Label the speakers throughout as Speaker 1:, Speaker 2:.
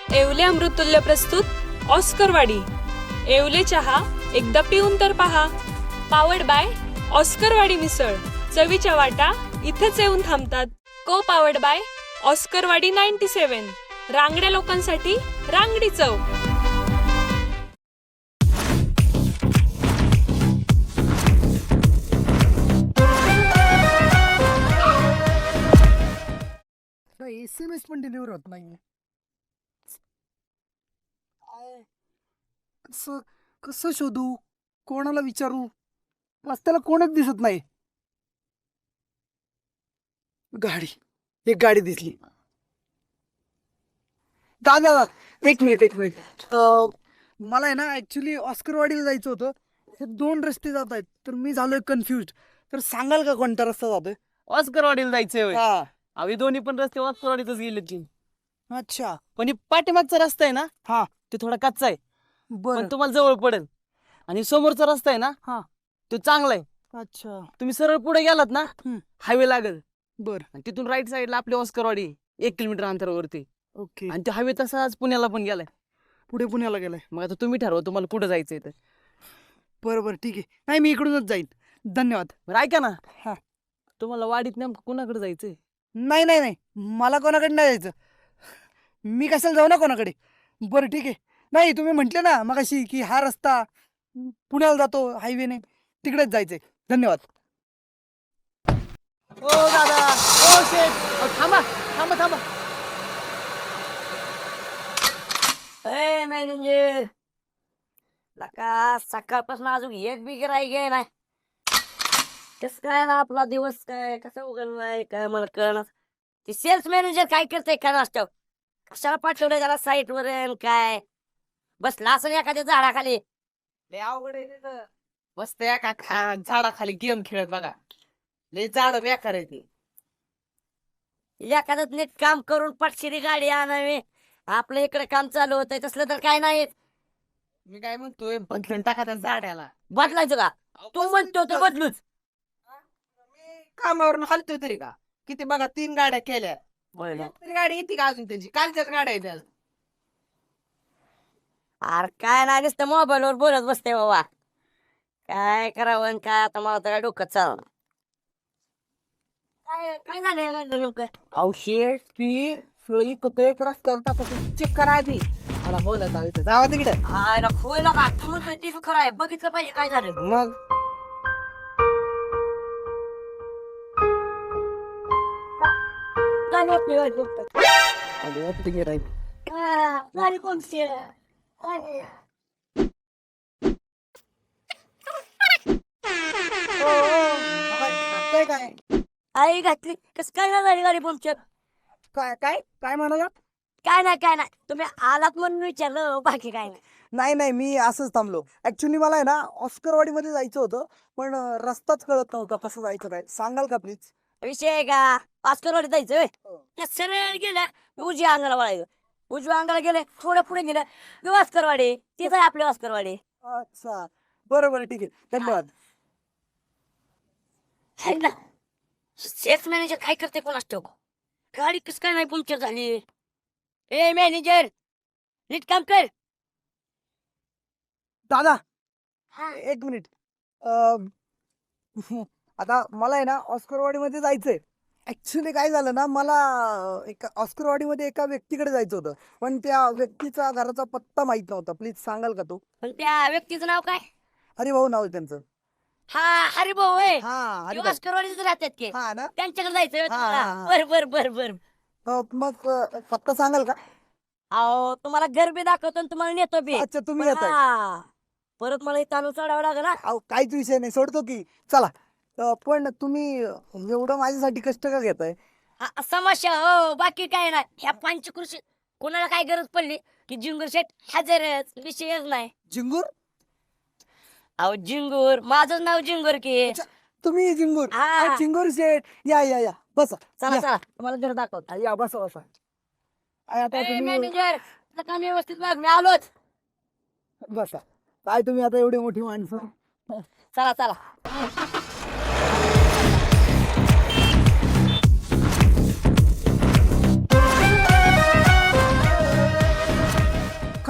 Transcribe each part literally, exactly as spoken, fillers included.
Speaker 1: येवले अमृततुल्य प्रस्तुत ऑस्करवाडी. येवले चहा एकदा पिऊन तर पहा. पावर्ड बाय ऑस्करवाडी मिसळ. चवीच्या वाटा इथेच येऊन थांबतात. Co powered by Oscarwadi ninety seven. रांगड्या लोकांसाठी रांगडी चव.
Speaker 2: एस एम एस पण डिलिव्हर होत नाही. कसं कसं शोधू, कोणाला विचारू, रस्त्याला कोणच दिसत नाही. गाडी, एक गाडी दिसली. दादा एक मिनिट एक मिनिट अं, मला आहे ना ऍक्च्युली ऑस्करवाडीला जायचं होतं. हे दोन रस्ते जात आहेत तर मी झालोय कन्फ्युज. तर सांगाल का कोणता रस्ता जातोय?
Speaker 3: ऑस्करवाडीला जायचंय होय.
Speaker 2: हा.
Speaker 3: आम्ही दोन्ही पण रस्ते ऑस्करवाडीतच गेले की.
Speaker 2: अच्छा.
Speaker 3: पण हे पाठीमागचा रस्ता आहे ना,
Speaker 2: हा.
Speaker 3: तो थोडा कच्चा आहे
Speaker 2: बर.
Speaker 3: पण तुम्हाला जवळ पडेल. आणि समोरचा रस्ता आहे ना,
Speaker 2: हा.
Speaker 3: तो चांगला आहे.
Speaker 2: अच्छा.
Speaker 3: तुम्ही सरळ पुढे गेलात ना,
Speaker 2: हम्म.
Speaker 3: हायवे लागेल.
Speaker 2: बर.
Speaker 3: आणि तिथून राईट साईडला आपली ऑस्करवाडी एक किलोमीटर अंतरावरती.
Speaker 2: ओके.
Speaker 3: आणि तो हायवे तसाच पुण्याला पण गेलाय.
Speaker 2: पुढे पुण्याला गेलाय.
Speaker 3: मग आता तुम्ही ठरवा तुम्हाला कुठं जायचंय तर.
Speaker 2: बरोबर ठीक आहे. नाही मी इकडूनच जाईन. धन्यवाद.
Speaker 3: बरं ऐका ना,
Speaker 2: हा.
Speaker 3: तुम्हाला वाडीत नेमकं कुणाकडे जायचंय?
Speaker 2: नाही नाही नाही मला कोणाकडे नाही जायचं. मी कशाला जाऊ ना कोणाकडे. बरं ठीक आहे. नाही तुम्ही म्हटले ना मगाशी की हा रस्ता पुण्याला जातो हायवेने, तिकडेच जायचंय. धन्यवाद.
Speaker 3: ओ दादा, ओ शेठ, अहो, थांबा थांबा थांबा.
Speaker 4: ए मॅनेजर, लका सकाळपासून अजून एक बी गिराईक आहे नाही. कस काय ना आपला दिवस काय कसा उघडलाय काय मला कळणार. ते सेल्स मॅनेजर काय करते काय नसतं, कशाला पाठवलंय त्याला साईट वर आणि काय बसला असं एखाद्या झाडाखाली.
Speaker 3: लय अवघड आहे तिथं. मस्त एका खा झाडाखाली गेम खेळत बघा. लय झाड बेकार आहे ती.
Speaker 4: एखादं नीट काम करून पटशिरी गाडी आणावी. आपलं इकडे काम चालू होतंय तसलं तर काय नाही.
Speaker 3: मी काय म्हणतोय, बदलून टाका त्या झाडाला.
Speaker 4: बदलायचं का? तू म्हणतो तर बदलूच.
Speaker 3: मी कामावरून हलतोय तरी का. किती बघा तीन गाड्या केल्या, तरी गाडी येते का अजून त्यांची? कालच्याच गाड्या आहेत आज.
Speaker 4: अरे काय नाही नुसतं मोबाईल वर बोलत बसते बाबा. काय करावं आणि काय आता मला तर डोकं चाललं. काय काय झालं नेमकं?
Speaker 3: अहो शेठ, ती सळी कुठे एक रस्त्यावर टाकून चेक करा आधी. मला बोलत आलं इथं. जावा तिकडे.
Speaker 4: आय ना खोय नका तू म्हणतोय ते खरं आहे. बघितलं पाहिजे काय झालं.
Speaker 3: मग
Speaker 4: गाडी आपली वाट बघतात.
Speaker 3: आधी वाटतं की राहील.
Speaker 4: आ, गाडी कोणती आहे? गाडी. ओ,
Speaker 2: काय काय
Speaker 4: आई घातली कस काय ना झाली गाडी पंक्चर?
Speaker 2: काय काय काय म्हणाला?
Speaker 4: काय नाही काय नाही तुम्ही आलात म्हणून विचारलं, बाकी काय नाही.
Speaker 2: नाही नाही मी असंच थांबलो. ऍक्च्युली मला आहे ना ऑस्करवाडी मध्ये जायचं होतं पण अं, रस्ताच कळत नव्हता कसं जायचं काय. सांगाल का प्लीज?
Speaker 4: विषय आहे का ऑस्करवाडी जायचं होय? त्या सरळ गेल्या उजव्या अंगाला वळायचं. उजव्या अंगाला गेले थोडं पुढे गेलं की ऑस्करवाडी. तिथं आहे आपली ऑस्करवाडी.
Speaker 2: अच्छा बरं बरं ठीक आहे. धन्यवाद.
Speaker 4: है ना सेल्स मॅनेजर काय करते कोणास ठाऊक. गाडी कस काय नाही पंक्चर झाली. ए मॅनेजर नीट काम कर.
Speaker 2: दादा
Speaker 4: हा.
Speaker 2: एक मिनिट. अं, आता मला आहे ना ऑस्करवाडी मध्ये जायचंय. ऍक्च्युली काय झालं ना मला अं, एका ऑस्करवाडी मध्ये एका व्यक्तीकडे जायचं होतं पण त्या व्यक्तीचा घराचा पत्ता माहित नव्हता. प्लीज सांगाल का तो?
Speaker 4: पण त्या व्यक्तीचं नाव काय?
Speaker 2: हरी भाऊ नाव आहे त्यांचं.
Speaker 4: हा हरिभाऊ होय.
Speaker 2: हा
Speaker 4: ते
Speaker 2: हरी भाऊ.
Speaker 4: ऑस्करवाडीच राहतात की.
Speaker 2: हा ना.
Speaker 4: त्यांच्याकडे जायचं
Speaker 2: हा, हा, हा.
Speaker 4: बर बर बर बर.
Speaker 2: अं, मग अं, पत्ता सांगाल का?
Speaker 4: अहो तुम्हाला घर बी दाखवतो आणि तुम्हाला नेतो बी.
Speaker 2: अच्छा तुम्ही
Speaker 4: पण
Speaker 2: येताय.
Speaker 4: हा, परत मला तांदूळ चढावं लागेल ना.
Speaker 2: अहो काहीच विषय नाही सोडतो की. चला अं, पण तुम्ही एवढं माझ्यासाठी कष्ट का घेताय?
Speaker 4: हा, समस्या हो बाकी काय नाही. ह्या पंचकृषी कोणाला काय गरज पडली की जिंगूर शेट हजरच. विषयच नाही.
Speaker 2: जिंगूर?
Speaker 4: अहो जिंगूर माझं नाव जिंगूर की.
Speaker 2: तुम्ही जिंगूर?
Speaker 4: हा.
Speaker 2: अं, जिंगूर शेठ या या या बसा.
Speaker 4: चला
Speaker 2: या.
Speaker 4: चला तुम्हाला घर दाखवतो.
Speaker 2: या बसा बसा. आणि आता
Speaker 4: ए,
Speaker 2: तुम्ही
Speaker 4: मॅनेजर तुझं काम व्यवस्थित बघ मी आलोच.
Speaker 2: बसा. काय तुम्ही आता एवढी मोठी माणसं.
Speaker 4: चला चला.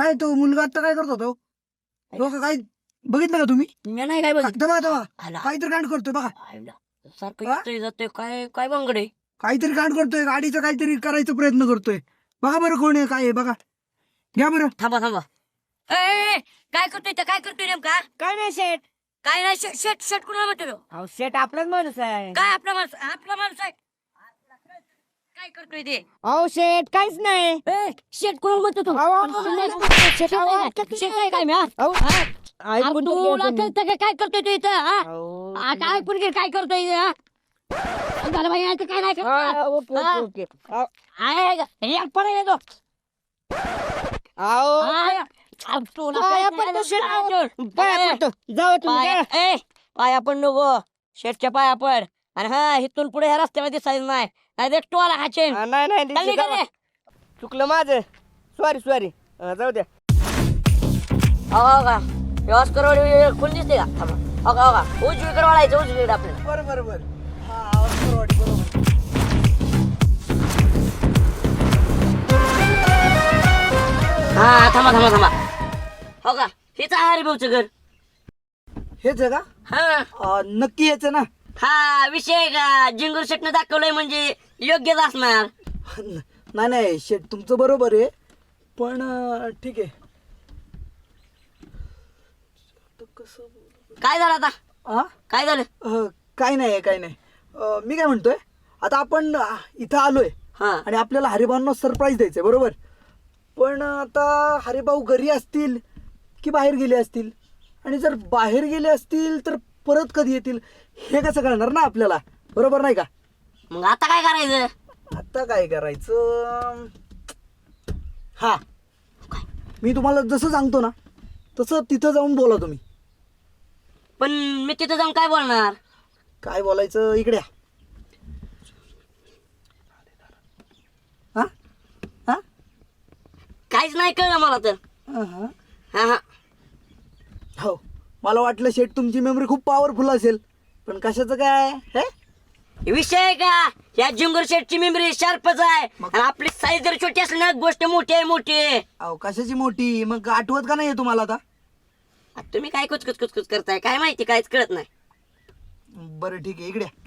Speaker 2: काय तो मुलगा आता काय करतो तो तो का- काय बघितलं का तुम्ही
Speaker 4: मी नाही काय बघितलं.
Speaker 2: तेव्हा तेव्हा
Speaker 4: आला.
Speaker 2: काहीतरी कांड करतोय बघा
Speaker 4: आईला. सारखं
Speaker 2: हा?
Speaker 4: येतोय जातोय काय काय बांगडे.
Speaker 2: काहीतरी कांड करतोय गाडीचं काहीतरी करायचा प्रयत्न करतोय बघा बरं कोण आहे काय आहे बघा घ्या बरं
Speaker 4: थांबा थांबा. ए, ए, ए, काय करतोय इथं? काय करतोय नेमका?
Speaker 3: काय नाही शेट
Speaker 4: काय नाही शेट शेट शेट कुणाला म्हणतो?
Speaker 3: अहो शेट आपलाच माणूस आहे
Speaker 4: काय आपला माणूस आपला माणूस आहे काय करतोय ते?
Speaker 3: अहो शेट काहीच नाही
Speaker 4: ए, शेट कुणाला म्हणतो तू?
Speaker 3: अहो,
Speaker 4: शेट आहे काय? शेट आहे काय मी, हा?
Speaker 3: अहो,
Speaker 4: हा?
Speaker 3: ऐकून
Speaker 4: अरे
Speaker 3: तर घ्या
Speaker 4: तुला
Speaker 3: तुम्ही.
Speaker 4: कळतं का काय करतोय तू इथं, हा?
Speaker 3: अहो,
Speaker 4: आ, काय पुरगी काय करतोय इथं, हा? झालं बाई, आता काय नाही करत,
Speaker 3: हा,
Speaker 4: हा?
Speaker 3: ओके ओके ओके अहो,
Speaker 4: आहे का? हे पडेल येतो.
Speaker 3: अहो
Speaker 4: आहे. आ, तुला
Speaker 3: पाया
Speaker 4: काय
Speaker 3: पडतो
Speaker 4: नाही
Speaker 3: शेट,
Speaker 4: करत.
Speaker 3: अहो, पाया
Speaker 4: ए,
Speaker 3: पडतो. जाऊ तुम्ही
Speaker 4: पाया
Speaker 3: जा.
Speaker 4: ए, पाया पण नको शेटच्या पाया पड आणि हा इथून पुढे ह्या रस्त्यामध्ये दिसायचं नाही नाही ते टोला हाचे
Speaker 3: हा, नाही नाही
Speaker 4: चालली का रे?
Speaker 3: चुकलं माझं सॉरी सॉरी जाऊ द्या
Speaker 4: हो का व्यवस्थ करवाडी खुल दिसते का थांबा. हो का हो का उजवीकडे वळायचं उजवीकडे आपल्याला
Speaker 2: बरं बरं बरं हा ऑस्करवाडी बरोबर
Speaker 4: हा थांबा थांबा थांबा हो का हेच आहे हरिभाऊचं घर
Speaker 2: हेच आहे का
Speaker 4: हा
Speaker 2: अं, नक्की हेच आहे ना
Speaker 4: हा विषय आहे का जिंगूर शेटनं दाखवलंय म्हणजे योग्यच असणार.
Speaker 2: नाही नाही शेट तुमचं बरोबर आहे पण अं, ठीक आहे आता कसं
Speaker 4: काय झालं आता
Speaker 2: हा
Speaker 4: काय झालं
Speaker 2: अं, काय नाही काय नाही अं, मी काय म्हणतोय आता आपण अं, इथं आलोय
Speaker 4: हा
Speaker 2: आणि आपल्याला हरिभाऊंना सरप्राईज द्यायचंय बरोबर पण आता हरिभाऊ घरी असतील की बाहेर गेले असतील आणि जर बाहेर गेले असतील तर परत कधी येतील हे कसं कळणार ना आपल्याला बरोबर नाही का
Speaker 4: मग आता काय करायचं
Speaker 2: आता काय करायचं हा मी तुम्हाला जसं सांगतो ना तसं तिथं जाऊन बोला तुम्ही
Speaker 4: पण मी तिथं जाऊन काय बोलणार
Speaker 2: काय बोलायचं इकडे या. हा हा
Speaker 4: काहीच नाही कळलं मला तर
Speaker 2: हा, हा.
Speaker 4: हा हा
Speaker 2: हो मला वाटलं शेट तुमची मेमरी खूप पॉवरफुल असेल पण कशाचं काय हे
Speaker 4: विषय आहे का या जिंगूर शेटची मेमरी शार्पच आहे
Speaker 2: मग?
Speaker 4: आणि आपली साईज जर छोटी असली ना गोष्ट मोठी आहे मोठी आहे.
Speaker 2: अहो कशाची मोठी मग आठवत का नाही तुम्हाला आता
Speaker 4: आता तुम्ही काय कुचकुच कुचकुच करताय काय माहिती काहीच कळत नाही.
Speaker 2: बरं ठीक आहे इकडे या.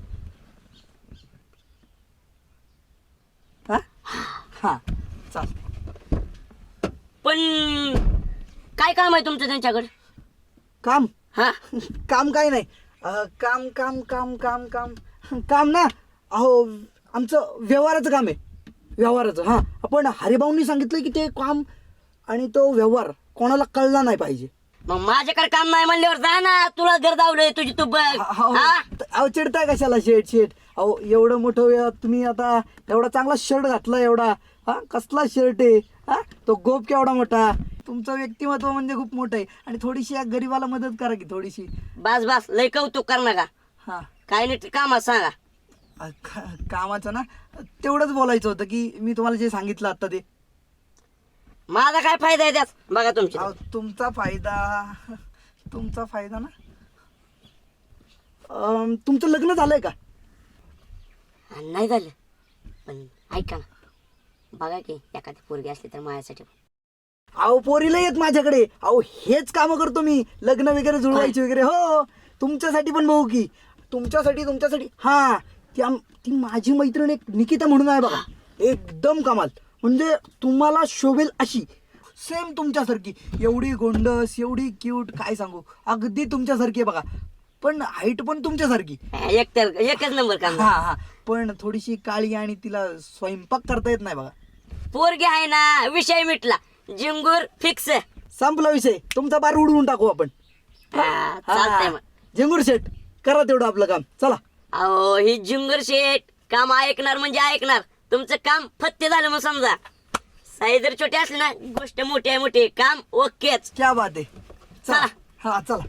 Speaker 2: हा हा चाल
Speaker 4: पण काय काम आहे तुमचं त्यांच्याकडे
Speaker 2: काम
Speaker 4: हा
Speaker 2: काम काय नाही अं, काम काम काम काम काम काम ना अहो आमचं व्यवहाराचं काम आहे व्यवहाराचं हां आपण हरिभाऊंनी सांगितलं की ते काम आणि तो व्यवहार कोणाला कळला नाही पाहिजे
Speaker 4: मग माझ्याकडे काम नाही म्हणल्यावर जा ना तुला घर दावलंय तुझी तू बघ
Speaker 2: अहो
Speaker 4: हा?
Speaker 2: अहो, चिडताय कशाला शेट शेट अहो एवढं मोठं वे- तुम्ही आता एवढा चांगला शर्ट घातला एवढा हा कसला शर्ट आहे हा तो गोप केवढा मोठा तुमचं व्यक्तिमत्व म्हणजे खूप मोठं आहे आणि थोडीशी या गरीबाला मदत करा की थोडीशी
Speaker 4: बस बस लय कौतुक कर नका
Speaker 2: हा
Speaker 4: काय नाही कामात सांगा
Speaker 2: अ, का- कामाचं ना तेवढंच बोलायचं होतं की मी तुम्हाला जे सांगितलं आता ते
Speaker 4: माझा काय फायदा आहे त्यात बघा तुमच्या
Speaker 2: अहो, तुमचा फायदा तुमचा फायदा ना अम, तुमचं लग्न झालंय का
Speaker 4: नाही झालं पण ऐका ना बघा की एखादी पोरगी असली तर माझ्यासाठी
Speaker 2: अहो पोरीला येत माझ्याकडे अहो हेच कामं करतो मी लग्न वगैरे जुळवायची वगैरे हो तुमच्यासाठी पण बघू की तुमच्यासाठी तुमच्यासाठी हा ती आम- ती माझी मैत्रीण एक निकिता म्हणून आहे बघा एकदम कमाल म्हणजे तुम्हाला शोभेल अशी सेम तुमच्यासारखी एवढी गोंडस एवढी क्यूट काय सांगू अगदी तुमच्यासारखी आहे बघा पण हाईट पण तुमच्यासारखी
Speaker 4: एक तर एकच नंबर काम
Speaker 2: हा हा पण थोडीशी काळी आणि तिला स्वयंपाक करता येत नाही बघा
Speaker 4: पोरगी आहे ना विषय मिटला जिंगूर फिक्स
Speaker 2: संपला विषय तुमचा बार उडवून टाकू आपण
Speaker 4: चालतंय मग
Speaker 2: झेंगूर शेट करा तेवढं आपलं काम चला
Speaker 4: अहो ही जिंगूर शेट काम ऐकणार म्हणजे ऐकणार तुमचं काम फत्ते झालं मग समजा साई जर छोटी असली ना गोष्ट मोठी आहे मोठी काम ओकेच
Speaker 2: क्या बात आहे चला
Speaker 4: चला.
Speaker 2: हा चला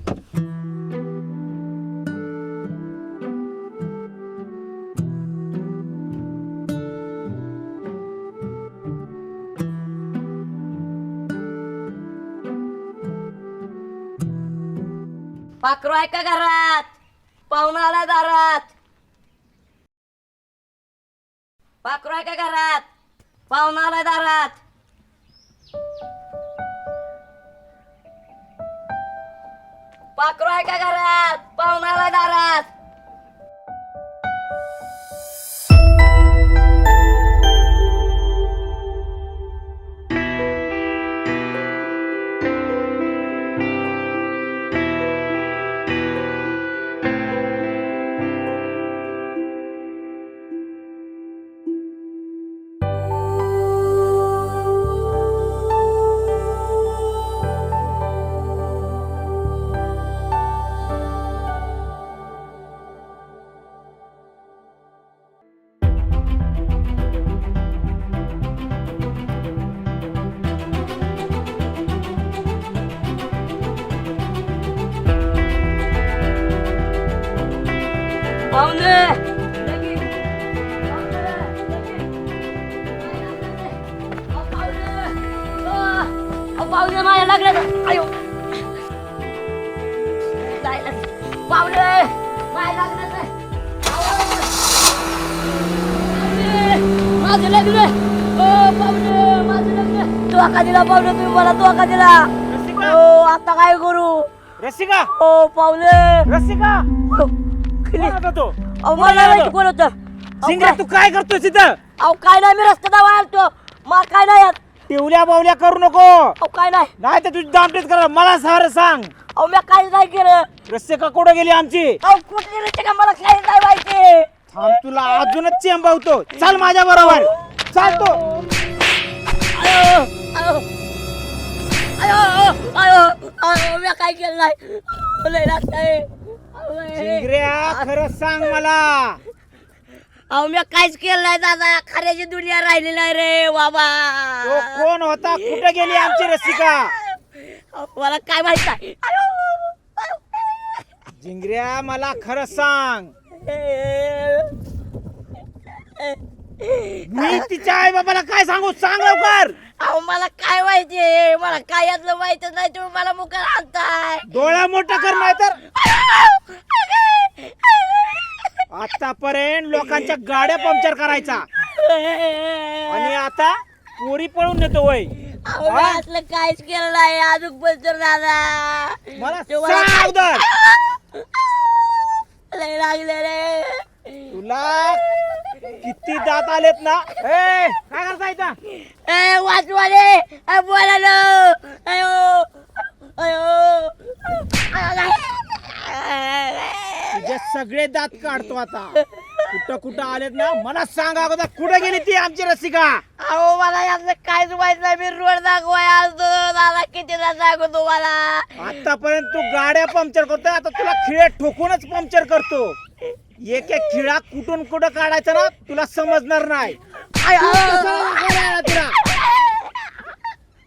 Speaker 4: पाखरू आहे का घरात पाहुणा आला दारात पाखरू आहे का घरात पाहुणा आलाय दारात पाखरू आहे का घरात? पाहुणाला दारात. पाहुणे लगीन. पाहुणे, लगीन. अहो, पाहुणे. अहो, पाहुणे माझ्या लागलं. आयो जायला. पाहुणे माझ्या लागलं. माझं लग्न. ओ पाहुणे माझं लग्न. धोका दिला पाहुणे, तुम्ही मला धोका दिला. हो आता काय करू?
Speaker 5: रसिका
Speaker 4: ओ पाहुणे.
Speaker 5: रसिका
Speaker 4: हो,
Speaker 5: कोण होता तो?
Speaker 4: अहो मला माहिती कोण होतं. अहो,
Speaker 5: सिंगऱ्या तू काय करतोय तिथं?
Speaker 4: अहो काय नाही, मी रस्त्यात वाळतो. मला काय नाही यात.
Speaker 5: टिवल्या बावल्या करू नको,
Speaker 4: अहो काय नाही.
Speaker 5: नाही तर तुझी दामटेच कर. मला सारं सांग.
Speaker 4: अहो मी काहीच नाही केलं.
Speaker 5: रसिका कुठं गेली आमची?
Speaker 4: अहो कुठली रीती का मला काही नाही माहिती.
Speaker 5: थांब तुला अजूनच चेंबावतो. चल माझ्या बरोबर. चल तो.
Speaker 4: अयो अयो अयो अयो अयो मी काय केलं नाही. अहो, लय लागतंय. अहो, लय.
Speaker 5: सिंगऱ्या खरं सांग मला.
Speaker 4: अहो मी काहीच केलं नाही दादा. खऱ्याची दुनिया राहिली नाही रे बाबा.
Speaker 5: तो कोण होता? कुठं गेली आमची रसिका?
Speaker 4: अहो, मला काय माहित नाही. अयो, अयो.
Speaker 5: जिंगऱ्या मला खरं सांग. मी तिच्या आई बाबाला काय सांगू? सांग लवकर.
Speaker 4: अहो मला काय माहिती, मला काय यातलं माहितच नाही. तुम्ही मला मुका आणताय.
Speaker 5: डोळा मोठा कर, नाही तर आतापर्यंत लोकांच्या गाड्या पंक्चर करायचा आणि आता पोरी पळून नेतो वय.
Speaker 4: अहो मी असलं काहीच केलं नाही. अजून पण तर दादा
Speaker 5: मला
Speaker 4: तुम्हाला
Speaker 5: सांग अगोदर.
Speaker 4: लय लागले रे.
Speaker 5: तुला किती दात आलेत ना? ए काय करता इथं?
Speaker 4: ए वाचवाले ए बोला नो. अयो अयो
Speaker 5: तुझे सगळे दात काढतो आता. कुठं कुठं आलेत ना मला सांग अगोदर. कुठं गेली ती आमची रसिका?
Speaker 4: अहो मला यातलं काहीच माहित नाही. मी रोड दाखवाय आलतो दादा. कितीदा सांगू तुम्हाला.
Speaker 5: आतापर्यंत तू गाड्या पंक्चर करतोय, आता तुला खिळे ठोकूनच पंक्चर करतो. एक एक खिळा कुठून कुठं काढायचा ना तुला समजणार नाही.
Speaker 4: अयो
Speaker 5: कशाला दाखवायला आला तुला?